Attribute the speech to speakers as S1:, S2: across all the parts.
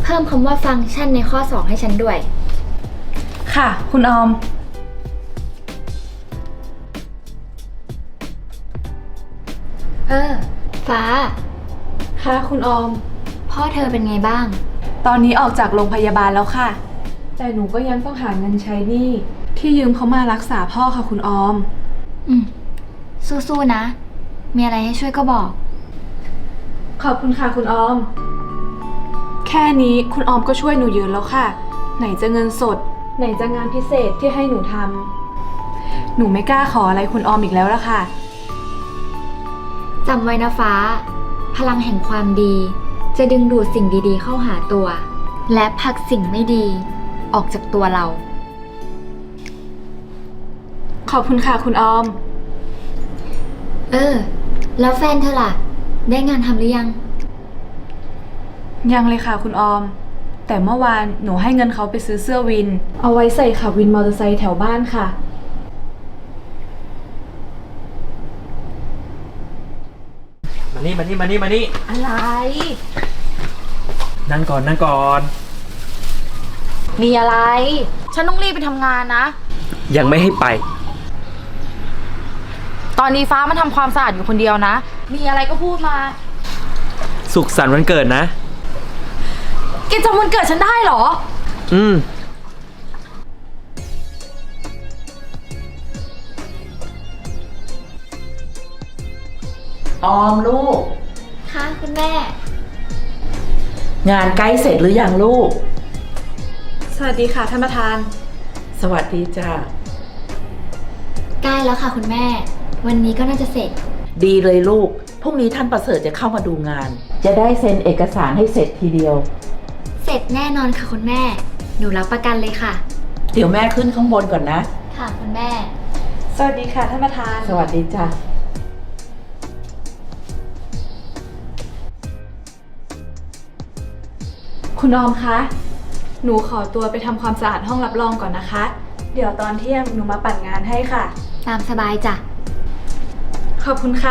S1: เพิ่มคำว่าฟังก์ชันในข้อ2ให้ฉันด้วย
S2: ค่ะคุณออม
S1: ฟ้า
S2: ค่ะคุณออม
S1: พ่อเธอเป็นไงบ้าง
S2: ตอนนี้ออกจากโรงพยาบาลแล้วค่ะ แต่หนูก็ยังต้องหาเงินใช้หนี้ที่ยืมเขามารักษาพ่อค่ะคุณออม
S1: สู้ๆนะ มีอะไรให้ช่วยก็บอก
S2: ขอบคุณค่ะคุณออม แค่นี้คุณออมก็ช่วยหนูเยอะแล้วค่ะ ไหนจะเงินสด ไหนจะงานพิเศษที่ให้หนูทำหนูไม่กล้าขออะไรคุณออมอีกแล้วละค่ะ
S1: จำไว้นะฟ้า พลังแห่งความดี จะดึงดูดสิ่งดีๆเข้าหาตัว และผลักสิ่งไม่ดี ออกจากตัวเรา
S2: ขอบคุณค่ะคุณออม
S1: แล้วแฟนเธอล่ะ ได้งานทำหรือยัง
S2: ยังเลยค่ะคุณออม แต่เมื่อวานหนูให้เงินเขาไปซื้อเสื้อวิน เอาไว้ใส่ขับวินมอเตอร์ไซค์แถวบ้านค่ะ
S3: มานี่
S2: อะไร
S3: นั่งก่อน
S4: มีอะไร ฉันต้องรีบไปทำงานนะ
S3: ยังไม่ให้ไป
S4: ตอนนี้ฟ้ามันทำความสะอาดอยู่คนเดียวนะ มีอะไรก็พูดมา
S3: สุขสันต์วันเกิดนะ
S4: แกจำวันเกิดฉันได้เหรอ
S3: อืม
S5: ออมลูก
S1: ค่ะคุณแม่
S5: งานใกล้เสร็จหรือยังลูก
S2: สวัสดีค่ะท่านประธาน
S5: สวัสดีจ้า
S1: ใกล้แล้วค่ะคุณแม่ วันนี้ก็น่าจะเสร็จ
S5: ดีเลยลูกพรุ่งนี้ท่านประเสริฐจะเข้ามาดูงาน จะได้เซ็นเอกสารให้เสร็จทีเดียว
S1: เสร็จแน่นอนค่ะคุณแม่ หนูรับประกันเลยค่ะ
S5: เดี๋ยวแม่ขึ้นข้างบนก่อนนะ
S1: ค่ะคุณแม่
S2: สวัสดีค่ะท่านประธาน
S5: สวัสดีจ้า
S2: คุณออมคะ หนูขอตัวไปทำความสะอาดห้องรับรองก่อนนะคะ เดี๋ยวตอนเที่ยงหนูมาปั่นงานให้ค่ะ
S1: ตามสบายจ้ะ
S2: ขอบคุณค่ะ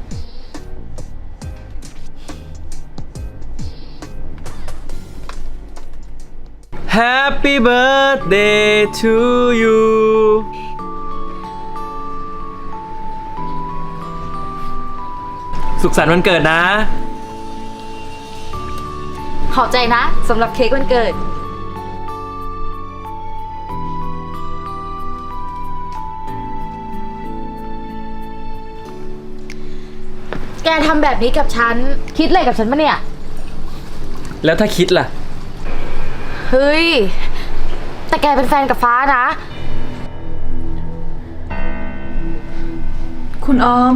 S3: Happy birthday to you สุขสันต์วันเกิดนะ
S4: ขอบใจนะสำหรับเค้กวันเกิด แกทำแบบนี้กับฉัน คิดอะไรกับฉันปะเนี่ย
S3: แล้วถ้าคิดล่ะ
S4: เฮ้ย แต่แกเป็นแฟนกับฟ้านะ
S2: คุณออม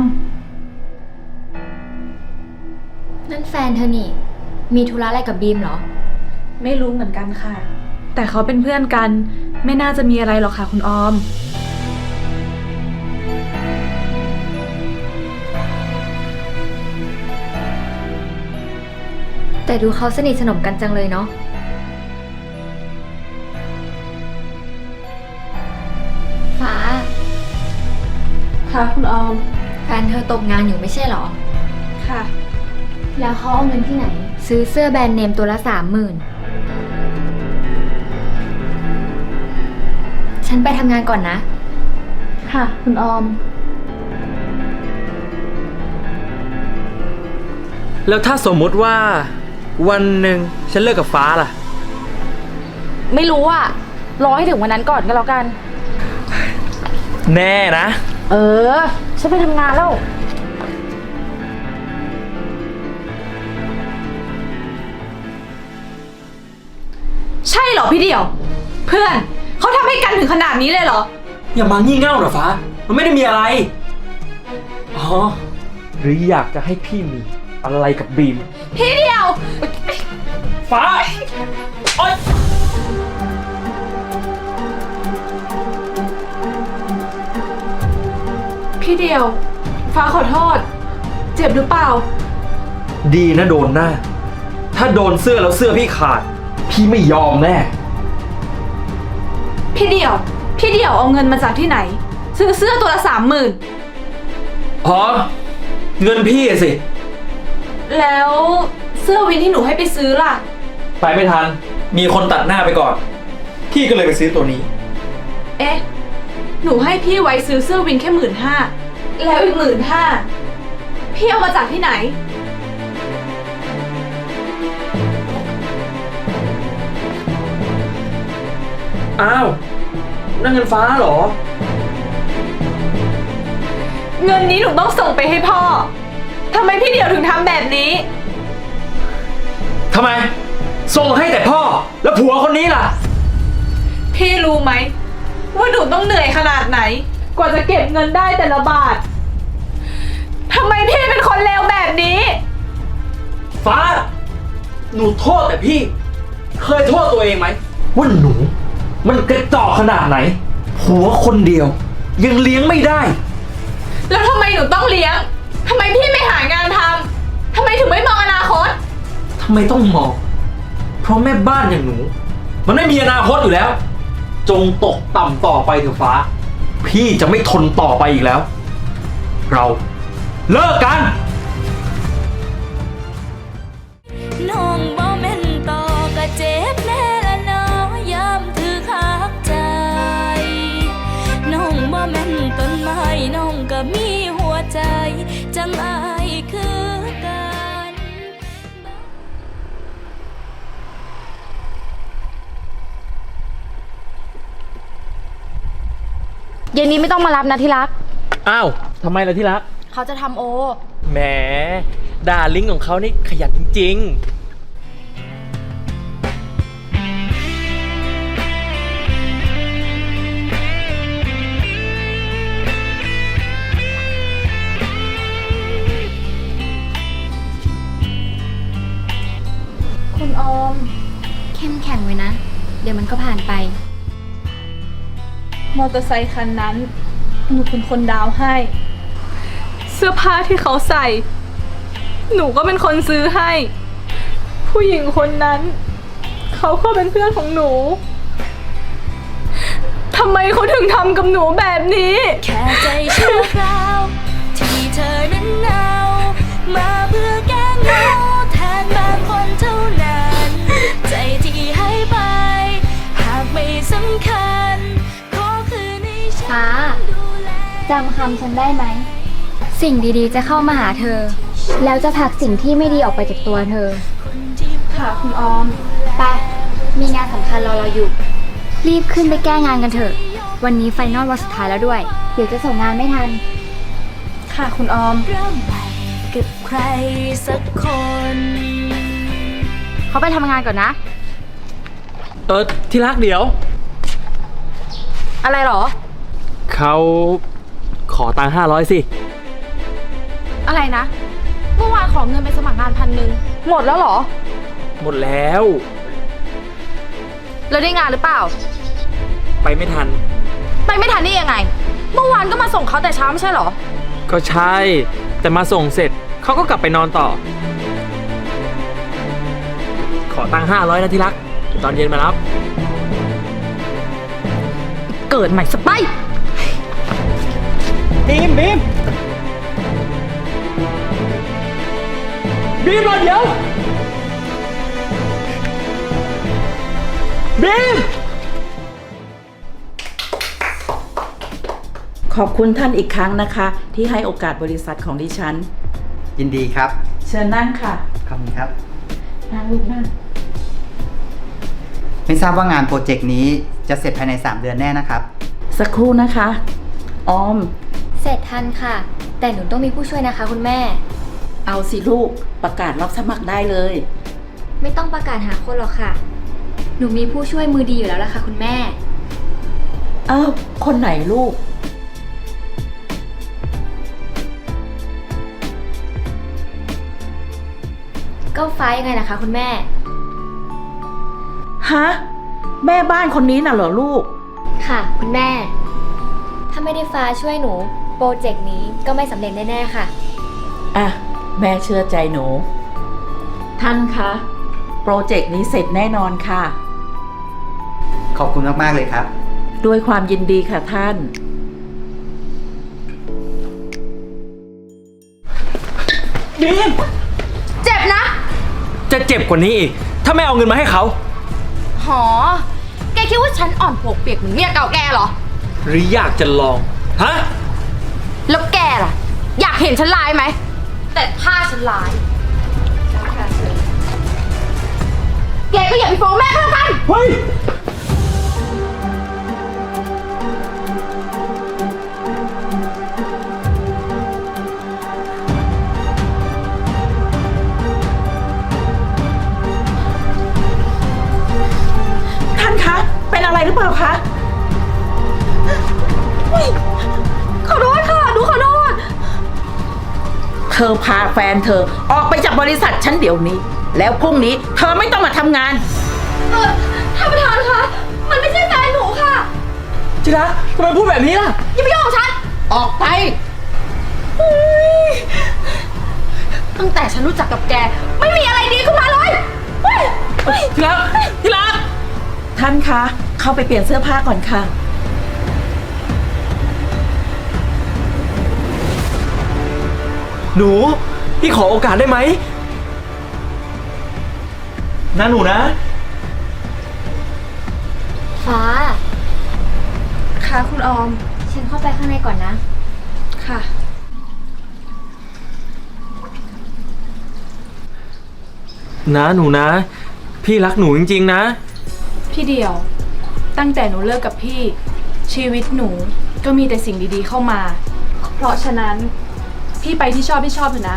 S1: นั่นแฟนเธอนี่ มีธุระอะไรกับบีมเหรอ
S2: ไม่รู้เหมือนกันค่ะ แต่เขาเป็นเพื่อนกัน ไม่น่าจะมีอะไรหรอกค่ะคุณออม
S1: แต่ดูเขาสนิทสนมกันจังเลยเนาะ ฟ้า
S2: ค่ะคุณออม
S1: แฟนเธอตกงานอยู่ไม่ใช่เหรอ
S2: ค่ะ
S1: แล้วเขาเอาเงินที่ไหน ซื้อเสื้อแบรนด์เนมตัวละ30,000 ฉันไปทำงานก่อนนะ
S2: ค่ะคุณออม
S3: แล้วถ้าสมมุติว่า วันหนึ่งฉันเลิกกับฟ้าล่ะ
S4: ไม่รู้อะรอให้ถึงวันนั้นก่อนก็แล้วกัน
S3: แน่นะ
S4: เออ ฉันไปทำงานแล้ว
S2: ใช่เหรอพี่เดี่ยว เพื่อนเขาทำให้กันถึงขนาดนี้เลยเหรอ
S3: อย่ามางี่เง่าหรอฟ้า มันไม่ได้มีอะไร อ๋อ หรืออยากจะให้พี่มีอะไรกับบีม
S2: พี่เดี่ยว
S3: ฟ้า โอ๊ย
S2: พี่เดี่ยว ฟ้าขอโทษ เจ็บหรือเปล่า
S3: ดีนะโดนหน้า ถ้าโดนเสื้อแล้วเสื้อพี่ขาด พี่ไม่ยอมแน่
S2: พี่เดี่ยวเอาเงินมาจากที่ไหน ซื้อเสื้อตัวละ30,000
S3: อ๋อ เงินพี่อะสิ
S2: แล้วเสื้อวินที่หนูให้ไปซื้อล่ะ
S3: ไปไม่ทัน มีคนตัดหน้าไปก่อน พี่ก็เลยไปซื้อตัวนี้
S2: เอ๊ะ หนูให้พี่ไว้ซื้อเสื้อวินแค่15,000แล้วอีก15,000พี่เอามาจากที่ไหน
S3: อ้าว นั่นเงินฟ้าเหรอ
S2: เงินนี้หนูต้องส่งไปให้พ่อ ทำไมพี่เดี่ยวถึงทำแบบนี้
S3: ทำไม ส่งให้แต่พ่อ แล้วผัวคนนี้ล่ะ
S2: พี่รู้ไหมว่าหนูต้องเหนื่อยขนาดไหน กว่าจะเก็บเงินได้แต่ละบาท ทำไมพี่เป็นคนเลวแบบนี้
S3: ฟ้า หนูโทษแต่พี่ เคยโทษตัวเองไหมว่าหนู มันกระจอกขนาดไหน ผัวคนเดียว ยังเลี้ยงไม่ได้
S2: แล้วทำไมหนูต้องเลี้ยง ทำไมพี่ไม่หางานทำ ทำไมถึงไม่มองอนาคต
S3: ทำไมต้องมอง เพราะแม่บ้านอย่างหนู มันไม่มีอนาคตอยู่แล้ว จงตกต่ำต่อไปเถอะฟ้า พี่จะไม่ทนต่อไปอีกแล้ว เราเลิกกัน
S6: น้องบ่แม่นต่อก็เจ็บแน่ละเนาะยามถือคักใจ น้องบ่แม่นต้นไม้น้องก็มีหัวใจ จังอายคือกัน
S4: เย็นนี้ไม่ต้องมารับนะที่รัก
S3: อ้าวทำไมล่ะที่รัก
S4: เขาจะทำโอ
S3: แหมดาลิงของเขานี่ขยันจริง
S2: คุณออม
S1: เข้มแข็งไว้นะ เดี๋ยวมันก็ผ่านไป
S2: มอเตอร์ไซคันนั้น หนูเป็นคนดาวให้ เสื้อผ้าที่เขาใส่ หนูก็เป็นคนซื้อให้ ผู้หญิงคนนั้น เขาก็เป็นเพื่อนของหนูทำไมเขาถึงทำกับหนูแบบนี้
S6: แค่ใจชั่วคราวที่เธอนั้นเอามาเพื่อแก้เหงาแทนบางคนเท่านั้น ใจที่ให้ไป หากไม่สำคัญขอคืนให้ฉั
S1: ฟ้า
S6: นดูแล
S1: จำคำฉันได้ไหม สิ่งดีๆจะเข้ามาหาเธอ แล้วจะผลักสิ่งที่ไม่ดีออกไปจากตัวเธอ
S6: คนที่
S2: ค่ะคุณออม
S1: ไป มีงานสำคัญรอเราอยู่ รีบขึ้นไปแก้งานกันเถอะ วันนี้ไฟนอลวันสุดท้ายแล้วด้วย เดี๋ยวจะส่งงานไม่ทัน
S2: ค่ะคุณออม
S6: เริ่มใหม่กับใครสักคน
S4: เขาไปทำงานก่อนนะ
S3: ๆ ที่รักเดี๋ยว
S4: อะไรหรอ
S3: เขาขอตังค์500 สิ
S4: อะไรนะ เมื่อวานขอเงินไปสมัครงาน1,000 หมดแล้วเหรอ
S3: หมดแล้ว
S4: แล้วได้งานหรือเปล่า
S3: ไปไม่ทัน
S4: ไปไม่ทันได้ยังไง เมื่อวานก็มาส่งเขาแต่เช้าไม่ใช่เหรอ
S3: ก็ใช่ แต่มาส่งเสร็จเขาก็กลับไปนอนต่อ ขอตังค์500นะที่รักเดี๋ยวตอนเย็นมารับ
S4: เกิดใหม่สไปร์
S3: บีมรอเดี๋ยว บีม
S5: ขอบคุณท่านอีกครั้งนะคะ ที่ให้โอกาสบริษัทของดิฉัน
S7: ยินดีครับ
S5: เชิญนั่งค่ะ
S7: ขอบคุณครับ
S5: นั่งลูกนั่ง
S7: ไม่ทราบว่างานโปรเจกต์นี้จะเสร็จภายใน 3 เดือนแน่นะครับ
S5: สักครู่นะคะ ออม
S1: เสร็จทันค่ะ แต่หนูต้องมีผู้ช่วยนะคะคุณแม่
S5: เอาสิลูก ประกาศรับสมัครได้เลย
S1: ไม่ต้องประกาศหาคนหรอกค่ะ หนูมีผู้ช่วยมือดีอยู่แล้วล่ะค่ะคุณแม่
S5: อ้าว คนไหนลูก
S1: ก็ฟ้ายังไงล่ะคะคุณแม่
S5: ฮะ แม่บ้านคนนี้น่ะเหรอลูก
S1: ค่ะ คุณแม่ ถ้าไม่ได้ฟ้าช่วยหนู โปรเจกต์นี้ก็ไม่สำเร็จแน่ๆค่ะ
S5: อ่ะ แม่เชื่อใจหนู ท่านคะ โปรเจกต์นี้เสร็จแน่นอนค่ะ
S7: ขอบคุณมาก ๆ เลยครับ
S5: ด้วยความยินดีค่ะท่าน
S3: บีม
S4: เจ็บนะ
S3: จะเจ็บจ็บกว่านี้อีก ถ้าไม่เอาเงินมาให้เขา
S4: หอ แกคิดว่าฉันอ่อนปวกเปียกเหมือนเมียเก่าแกเหรอ
S3: หรืออยากจะลอง ฮะ
S4: แล้วแกล่ะ อยากเห็นฉันร้ายไหม แต่ถ้าฉันร้าย แกก็อย่าไปฟ้องแม่ก็แล้วกัน
S3: เฮ้ย
S5: ท่านคะ เป็นอะไรหรือเปล่าคะ
S4: ขอโทษค่ะหนูขอโทษ
S5: เธอพาแฟนเธอออกไปจากบริษัทฉันเดี๋ยวนี้ แล้วพรุ่งนี้เธอไม่ต้องมาทำงาน
S4: ท่านประธานคะ มันไม่ใช่แฟนหนูค่ะ
S3: จิระทำไมพูดแบบนี้ล่ะ
S4: อย่าไปยุ่งกับฉัน
S5: ออกไป
S4: ตั้งแต่ฉันรู้จักกับแก ไม่มีอะไรดีขึ้นมาเลยเฮ้ย
S5: ที่รักที่รักท่านคะ เข้าไปเปลี่ยนเสื้อผ้าก่อนค่ะ
S3: หนู พี่ขอโอกาสได้ไหมนะหนูนะ
S1: ฟ้า
S2: ค่ะคุณออม
S1: ฉันเข้าไปข้างในก่อนนะ
S2: ค่ะ
S3: นะหนูนะ พี่รักหนูจริงๆนะ
S2: พี่เดียว ตั้งแต่หนูเลิกกับพี่ ชีวิตหนูก็มีแต่สิ่งดีๆเข้ามา เพราะฉะนั้นพี่ไปที่ชอบเถอะนะ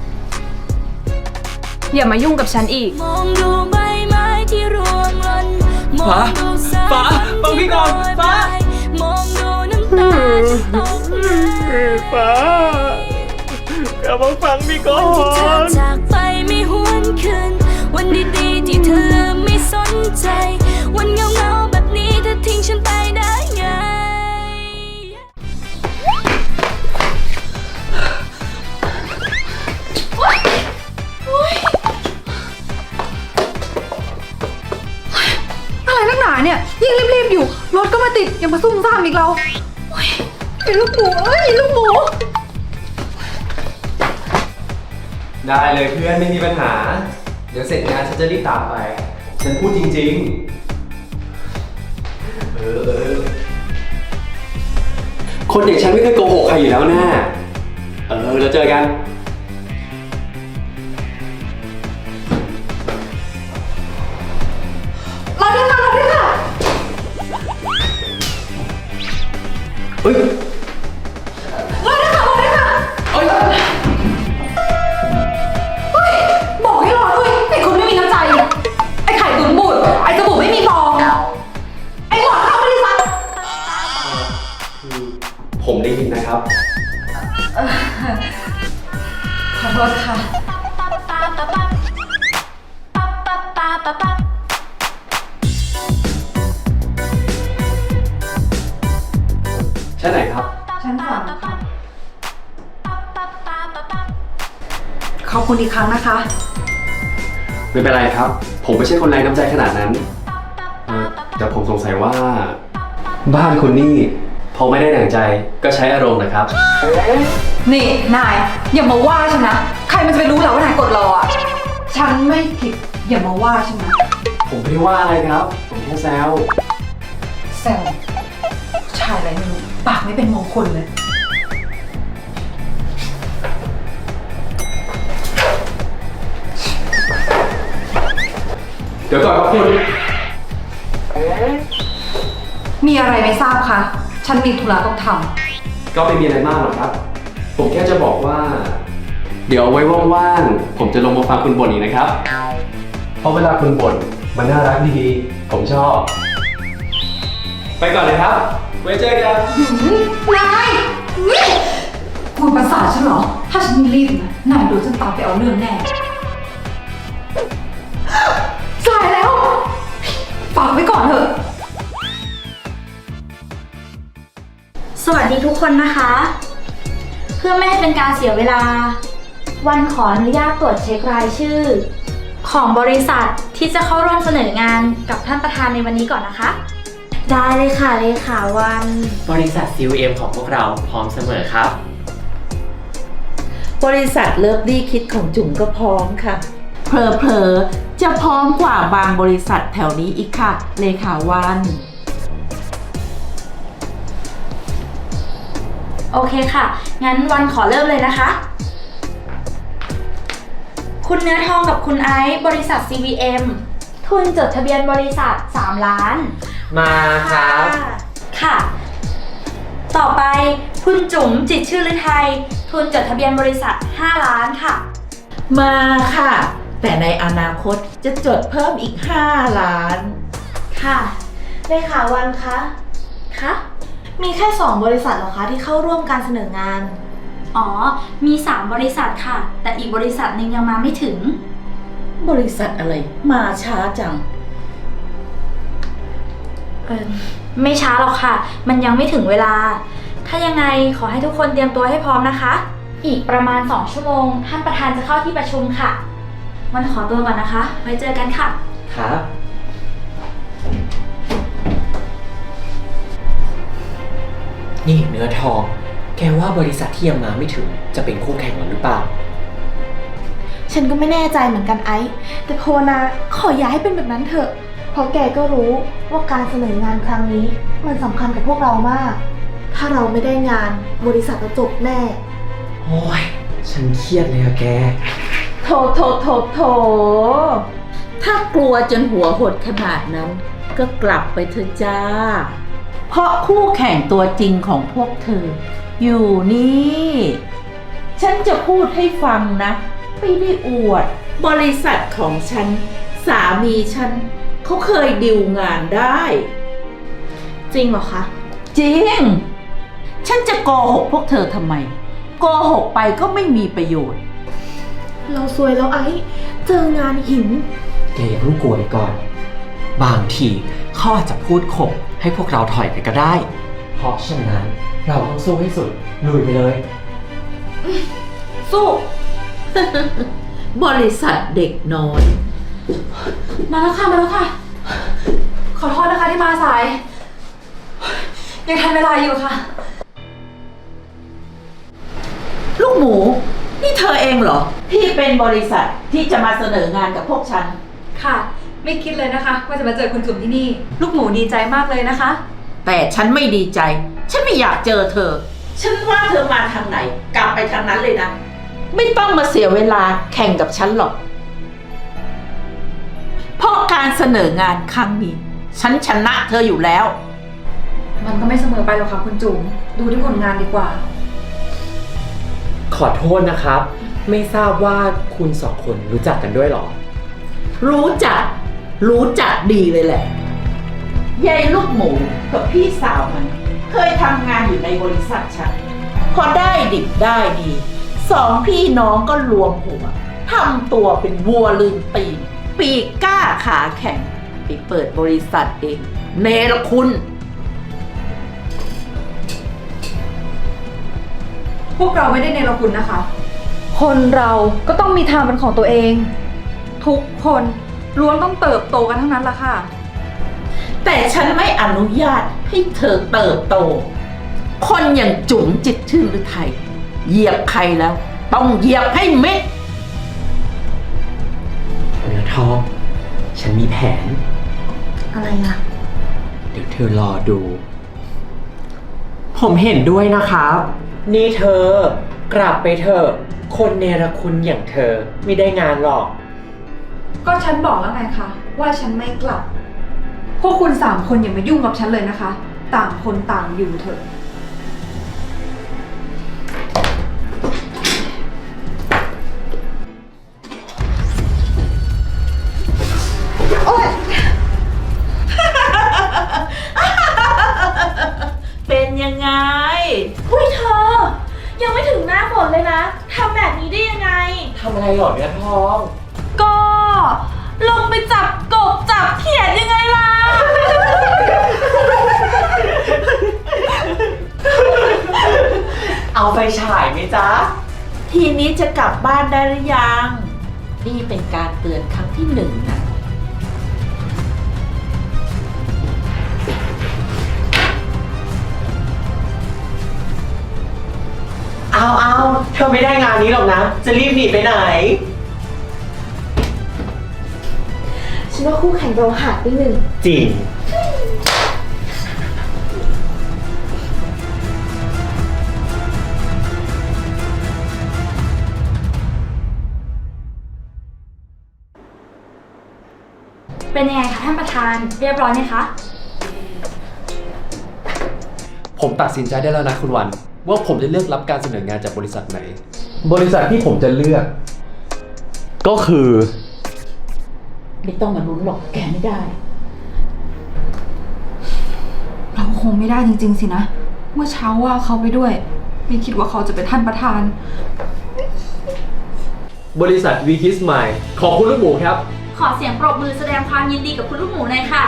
S2: อย่ามายุ่งกับฉันอีก
S6: มองดูใบไม้ที่ร่วงหล่นมองดูสาย
S3: ฟ้าฟังพี่ก่อนฟ้า
S6: มองดูน้ำตาที่ตกไหล
S3: ฟ้ากลับมาฟังพี่ก่อ
S6: วันที่เธอจากไปไม่หวนคืนวันดีๆที่เธอลืมไม่สนใจ วันเงาๆแบบนี้เธอทิ้งฉันไปได้ไง
S2: อะไรนักหนาเนี่ย ยิ่งรีบๆอยู่ รถก็มาติด ยังมาซุ่มซ่ามอีกเราไอ้ลูกหมูเอ้ยลูกหมู
S8: ได้เลยเพื่อนไม่มีปัญหา เดี๋ยวเสร็จงานฉันจะรีบตามไป ฉันพูดจริงๆ คนอย่างฉันไม่เคยโกหกใครอยู่แล้วนะเราเจอกัน เฮ้ย
S2: บอกให้รอด้วยไอ้คนไม่มีน้ำใจอะไอ้ไข่ตุ๋นบูดไอ้สบู่ไม่มีฟองไอ้หลอดเข้าบริษัท
S8: ผมได้ยินนะครับ
S2: ขอโทษค่ะ
S8: ชั้นไหนครับ
S2: ฉันฝากค่ะ ขอบคุณอีกครั้งนะคะ
S8: ไม่เป็นไรครับ ผมไม่ใช่คนไร้น้ำใจขนาดนั้นแต่ผมสงสัยว่า บ้านคุณนี่พอไม่ได้ดั่งใจก็ใช้อารมณ์นะครับ
S2: นี่นายอย่ามาว่าฉันนะ ใครมันจะไปรู้เหรอว่านายกดรออ่ะ ฉันไม่ผิดอย่ามาว่าฉันนะ
S8: ผมไม่ได้ว่าอะไรครับ ผมแค่แซว
S2: แซวชายอะไรไม่รู้ปากไม่เป็นมงคลเลย
S8: เดี๋ยวก่อนครับคุณ
S2: มีอะไรไม่ทราบคะฉันมีธุระต้องท
S8: ก็ไม่มีอะไรมากหรอกครับ ผมแค่จะบอกว่า เดี๋ยวเอาไว้ว่างๆ ผมจะลงมาฟังคุณบ่นอีกนะครับ เพราะเวลาคุณบ่นมันน่ารักดีๆ ผมชอบ ไปก่อนเลยครับ ไว้เจอกัน
S2: ำนายคุณประสาทฉันเหรอ ถ้าฉันไม่รีบนะนายโดนฉันตามไปเอาเรื่องแน่สายแล้ว ฝากไว้ก่อนเถอะ
S9: สวัสดีทุกคนนะคะ เพื่อไม่ให้เป็นการเสียเวลา วันขออนุญาตตรวจเช็ครายชื่อ ของบริษัทที่จะเข้าร่วมเสนองานกับท่านประธานในวันนี้ก่อนนะคะ ได้เลยค่ะเลขาวัน
S10: บริษัท CUM ของพวกเราพร้อมเสมอครับ
S5: บริษัทเลิฟลี่คิดของจุ๋มก็พร้อมค่ะ
S2: เฮ้
S5: เผลอๆจะพร้อมกว่าบางบริษัทแถวนี้อีกค่ะเลขาวัน
S9: โอเคค่ะ งั้นวันขอเริ่มเลยนะคะ คุณเนื้อทองกับคุณไอซ์บริษัท CVM ทุนจดทะเบียนบริษัท 3 ล้าน
S10: มาครับ
S9: ค่ะ ต่อไปคุณจุ๋มจิตรชื่อฤทัยทุนจดทะเบียนบริษัท 5 ล้านค่ะ
S5: มาค่ะ แต่ในอนาคตจะจดเพิ่มอีก5 ล้าน
S9: ค่ะเลขาวันคะคะมีแค่ 2 บริษัทเหรอคะที่เข้าร่วมการเสนองาน อ๋อ มี 3 บริษัทค่ะ แต่อีกบริษัทหนึงยังมาไม่ถึง
S5: บริษัทอะไรมาช้าจัง
S9: ไม่ช้าหรอกค่ะ มันยังไม่ถึงเวลา ถ้ายังไงขอให้ทุกคนเตรียมตัวให้พร้อมนะคะ อีกประมาณ 2 ชั่วโมงท่านประธานจะเข้าที่ประชุมค่ะ วันขอตัวก่อนนะคะ ไว้เจอกันค่ะ
S10: ครับ นี่เนื้อทอง แกว่าบริษัทที่ยังมาไม่ถึงจะเป็นคู่แข่งเราหรือเปล่า
S4: ฉันก็ไม่แน่ใจเหมือนกันไอซ์แต่โพนาขออย่าให้เป็นแบบนั้นเถอะ เพราะแกก็รู้ว่าการเสนองานครั้งนี้มันสำคัญกับพวกเรามาก ถ้าเราไม่ได้งานบริษัทจะจบแน่
S10: โอ้ย ฉันเครียดเลยอะแก
S5: โถ ถ้ากลัวจนหัวหดขนาดนั้น ก็กลับไปเถอะจ้า เพราะคู่แข่งตัวจริงของพวกเธอ อยู่นี่ ฉันจะพูดให้ฟังนะ ไม่ได้อวด บริษัทของฉัน สามีฉัน เขาเคยดิวงานได้
S4: จริงเหรอคะ
S5: จริง ฉันจะโกหกพวกเธอทำไม โกหกไปก็ไม่มีประโยชน์
S4: เราซวยแล้วไอซ์เจองานหิน
S10: แกอย่าเพิ่งกลัวไปก่อน บางทีเขาอาจจะพูดข่มให้พวกเราถอยไปก็ได้ เพราะฉะนั้นเราต้องสู้ให้สุด ลุยไปเลย
S9: สู้
S5: บริษัทเด็กน้อย
S2: มาแล้วค่ะ ขอโทษนะคะที่มาสาย ยังทันเวลาอยู่ค่ะ
S5: ลูกหมู นี่เธอเองเหรอ ที่เป็นบริษัทที่จะมาเสนองานกับพวกฉัน
S2: ค่ะ ไม่คิดเลยนะคะ ว่าจะมาเจอคุณจุ๋มที่นี่ ลูกหมูดีใจมากเลยนะคะ
S5: แต่ฉันไม่ดีใจ ฉันไม่อยากเจอเธอ ฉันว่าเธอมาทางไหน กลับไปทางนั้นเลยนะ ไม่ต้องมาเสียเวลาแข่งกับฉันหรอก เพราะการเสนองานครั้งนี้ ฉันชนะเธออยู่แล้ว
S2: มันก็ไม่เสมอไปหรอกค่ะคุณจุ๋ม ดูที่ผลงานดีกว่า
S10: ขอโทษนะครับ ไม่ทราบว่าคุณสองคนรู้จักกันด้วยเหรอ
S5: รู้จักดีเลยแหละยายลูกหมูกับพี่สาวมัน เคยทำงานอยู่ในบริษัทฉัน พอได้ดิบได้ดี 2 พี่น้องก็รวมหัวทำตัวเป็นวัวลืมตีน ปีกกล้าขาแข็งไปเปิดบริษัทเองเนรคุณ
S2: พวกเราไม่ได้เนรคุณนะคะ คนเราก็ต้องมีทางเป็นของตัวเอง ทุกคนล้วนต้องเติบโตกันทั้งนั้นละค่ะ
S5: แต่ฉันไม่อนุญาตให้เธอเติบโต คนอย่างจุ๋มจิตชื่อหรือไทย เหยียบใครแล้ว ต้องเหยียบให้เม็ด
S10: เนื้อทอง ฉันมีแผน
S4: อะไรอะ
S10: เดี๋ยวเธอรอดู ผมเห็นด้วยนะครับ นี่เธอกลับไปเถอะ คนเนรคุณอย่างเธอไม่ได้งานหรอก
S2: ก็ฉันบอกแล้วไงคะว่าฉันไม่กลับ พวกคุณ3 คนอย่ามายุ่งกับฉันเลยนะคะ ต่างคนต่างอยู่เถอะ
S5: เป็นยังไง
S9: หุ้ยเธอ ยังไม่ถึงหน้าฝนเลยนะทำแบบนี้ได้ยังไง
S10: ทำอะไรหรอเนื้อทอง
S9: ก็ลงไปจับกบจับเขียดยังไงล่ะ
S10: เอาไฟฉายไหมจ๊ะ
S5: ทีนี้จะกลับบ้านได้หรือยัง นี่เป็นการเตือนครั้งที่ 1นะ
S10: เอาเธอไม่ได้งานนี้หรอกนะ จะรีบหนีไปไหน
S4: ฉันว่าคู่แข่งเราหายไปหนึ่ง
S10: จริง
S9: เป็นยังไงคะท่านประธาน เรียบร้อยไหมคะ
S8: ผมตัดสินใจได้แล้วนะคุณวัน ว่าผมจะเลือกรับการเสนองานจากบริษัทไหน บริษัทที่ผมจะเลือก ก็คือ
S5: ไม่ต้องมาลุ้นหรอกแกไม่ได้
S2: เราคงไม่ได้จริงๆสินะ เมื่อเช้าว่าเขาไปด้วย ไม่คิดว่าเขาจะเป็นท่านประธาน
S8: บริษัทวีคิสไมล์ขอบคุณลูกหมูครับ
S9: ขอเสียงปรบมือแสดงความยินดีกับคุณลูกหมูหน่อยค่ะ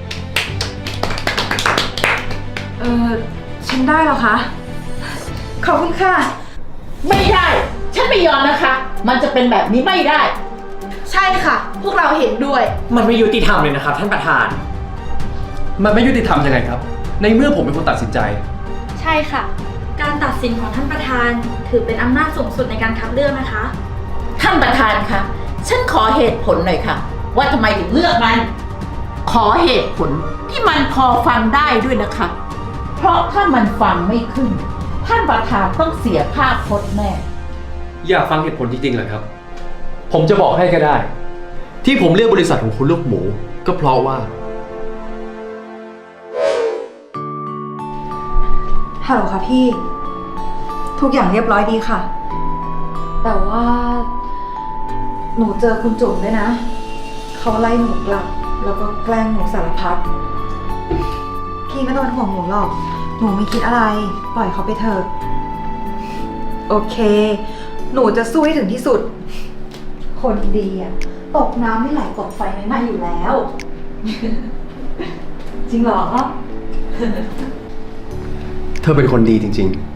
S2: ฉันได้เหรอคะ ขอบคุณค่ะ
S5: ไม่ได้ ฉันไม่ยอมนะคะ มันจะเป็นแบบนี้ไม่ได้
S4: ใช่ค่ะ พวกเราเห็นด้วย
S10: มันไม่ยุติธรรมเลยนะครับท่านประธาน
S8: มันไม่ยุติธรรมยังไงครับ ในเมื่อผมเป็นคนตัดสินใจ
S9: ใช่ค่ะ การตัดสินของท่านประธานถือเป็นอำนาจสูงสุดในการคัดเลือกนะคะ
S5: ท่านประธานคะฉันขอเหตุผลหน่อยค่ะ ว่าทำไมถึงเลือกมัน ขอเหตุผลที่มันพอฟังได้ด้วยนะคะ เพราะถ้ามันฟังไม่ขึ้น ท่านประธานต้องเสียภาพพจน์แน่
S8: อยากฟังเหตุผลจริงๆเหรอครับ ผมจะบอกให้ก็ได้ ที่ผมเลือกบริษัทของคุณลูกหมู ก็เพราะว่า
S2: ฮัลโหลค่ะพี่ ทุกอย่างเรียบร้อยดีค่ะ แต่ว่า หนูเจอคุณจุ๋มด้วยนะ เขาไล่หนูกลับ แล้วก็แกล้งหนูสารพัดพี่ไม่ต้องเป็นห่วงหนูหรอก หนูไม่คิดอะไร ปล่อยเขาไปเถอะ โอเค หนูจะสู้ให้ถึงที่สุด คนดีอะตกน้ำไม่ไหลตกไฟไม่ไหม้อยู่แล้ว จริงเหรอ
S8: เธอเป็นคนดีจริงๆ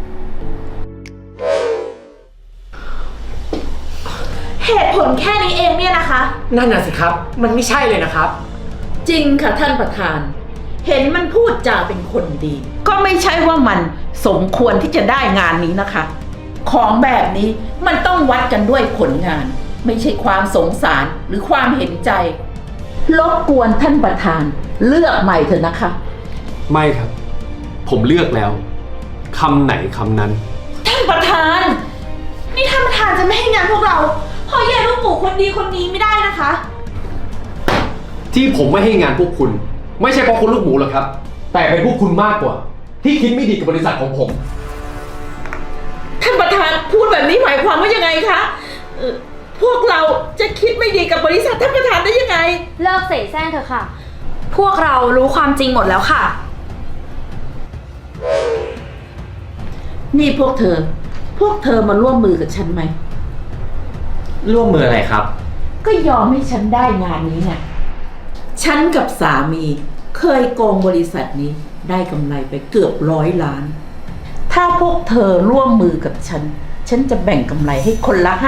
S4: เหตุผลแค่นี้เองเนี่ยนะคะ
S10: นั่นน่ะสิครับ มันไม่ใช่เลยนะครับ
S5: จริงค่ะท่านประธาน เห็นมันพูดจาเป็นคนดี ก็ไม่ใช่ว่ามันสมควรที่จะได้งานนี้นะคะ ของแบบนี้มันต้องวัดกันด้วยผลงาน ไม่ใช่ความสงสารหรือความเห็นใจรบกวนท่านประธานเลือกใหม่เถอะนะคะ
S8: ไม่ครับ ผมเลือกแล้วคำไหนคำนั้น
S4: ท่านประธาน นี่ท่านประธานจะไม่ให้งานพวกเราเพราะแย่ลูกหมูคนดีคนนี้ไม่ได้นะคะ
S8: ที่ผมไม่ให้งานพวกคุณ ไม่ใช่เพราะคุณลูกหมูหรอกครับ แต่เป็นพวกคุณมากกว่า ที่คิดไม่ดีกับบริษัทของผม
S5: ท่านประธานพูดแบบนี้หมายความว่ายังไงคะพวกเราจะคิดไม่ดีกับบริษัทท่านประธานได้ยังไง
S9: เลิกเสแสร้งเถอะค่ะ พวกเรารู้ความจริงหมดแล้วค่ะ
S5: นี่พวกเธอมาร่วมมือกับฉันไหม
S10: ร่วมมืออะไรครับ
S5: ก็ยอมให้ฉันได้งานนี้ไง ฉันกับสามีเคยโกงบริษัทนี้ได้กำไรไปเกือบ100 ล้าน ถ้าพวกเธอร่วมมือกับฉันจะแบ่งกำไรให้คนละ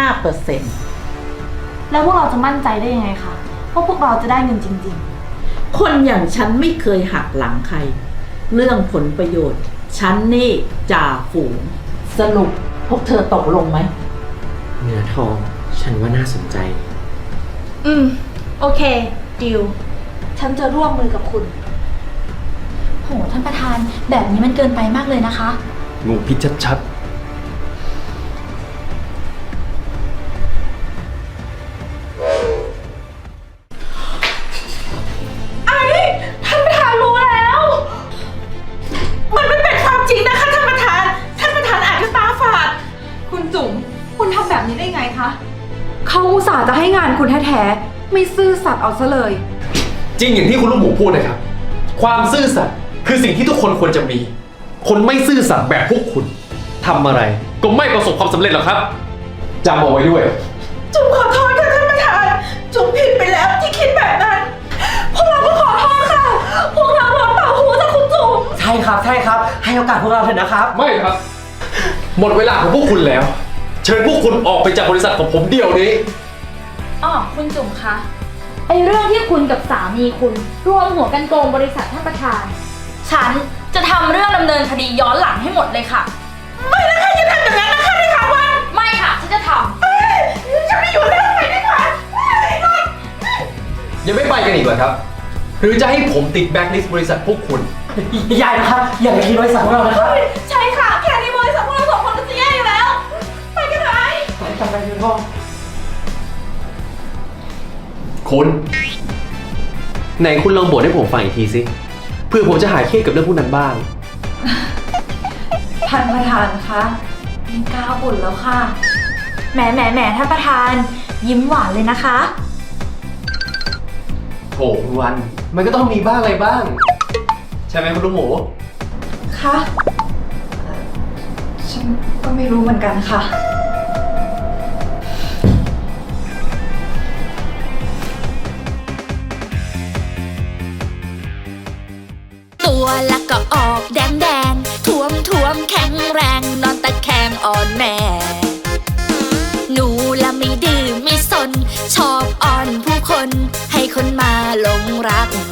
S5: 5%
S9: แล้วพวกเราจะมั่นใจได้ยังไงคะว่าพวกเราจะได้เงินจริง
S5: คนอย่างฉันไม่เคยหักหลังใคร เรื่องผลประโยชน์ ฉันนี่จ่าฝูง สรุปพวกเธอตกลงไหม
S10: เนื้อทอง ฉันว่าน่าสนใจ
S9: โอเคดิวฉันจะร่วมมือกับคุณ โหท่านประธานแบบนี้มันเกินไปมากเลยนะคะ
S8: งูพิษชัดๆ
S4: ท่านประธานรู้แล้ว มันไม่เป็นความจริงนะคะท่านประธาน ท่านประธานอาจจะตาฝาด
S2: คุณจุ๋ม คุณทำแบบนี้ได้ไงคะ เขาอุตส่าห์จะให้งานคุณแท้ๆ ไม่ซื่อสัตย์เอาซะเลย
S8: จริงอย่างที่คุณลูกหมูพูดนะครับ ความซื่อสัตย์คือสิ่งที่ทุกคนควรจะมี คนไม่ซื่อสัตย์แบบพวกคุณทำอะไรก็ไม่ประสบความสำเร็จหรอกครับจำเอาไว้ด้วย
S4: จุ๋มขอโทษค่ะท่านประธาน จุ๋มผิดไปแล้วที่คิดแบบนั้น พวกเราก็ขอโทษค่ะ พวกเราโดนเป่าหูจากคุณจุ๋ม
S10: ใช่ครับ ใช่ครับ ให้โอกาสพวกเราเถอะนะครับ
S8: ไม่ครับ หมดเวลาของพวกคุณแล้ว เชิญพวกคุณออกไปจากบริษัทของผมเดี๋ยวนี้
S9: อ๋อคุณจุ๋มคะไอเรื่องที่คุณกับสามีคุณรวมหัวกันโกงบริษัทท่านประธาน ฉันจะทำเรื่องดำเนินคดีย้อนหลังให้หมดเลยค่ะ
S4: ไม่นะคะอย่าทำอย่างนั้นนะคะในข่าววัน
S9: ไม่ค่ะฉันจะทำ
S4: ฉันไม่อยู่แล้วไปดีกว่า
S3: ยังไม่ไปกันอีกเหรอครับ หรือจะให้ผมติดแบ็คลิสต์บริษัทพวกคุณ
S10: อย่านะครับ อย่าไปทีบริษัทของเรานะครับ
S4: ใช่ค่ะ แค่นี้บริษัทพวกเราสองคนก็จะแย่อยู่แล้ว ไปกันเถอะไอ้
S10: จำไปเถอะพ่อ
S8: คุณ ไหนคุณลองบ่นให้ผมฟังอีกทีสิเพื่อผมจะหายเครียดกับเรื่องพวกนั้นบ้าง
S9: ท่านประธานคะไม่กล้าบ่นแล้วค่ะแหมท่านประธานยิ้มหวานเลยนะคะ
S8: โถคุณวัน มันก็ต้องมีบ้างอะไรบ้าง ใช่ไหมคุณลูกหมู
S9: คะฉันก็ไม่รู้เหมือนกันค่ะ
S6: ตัวละก็ออกแดงท้วมแข็งแรงนอนตะแคงอ่อนแม่ หนูละไม่ดื้อไม่สน ชอบอ่อนผู้คนให้คนมาหลงรัก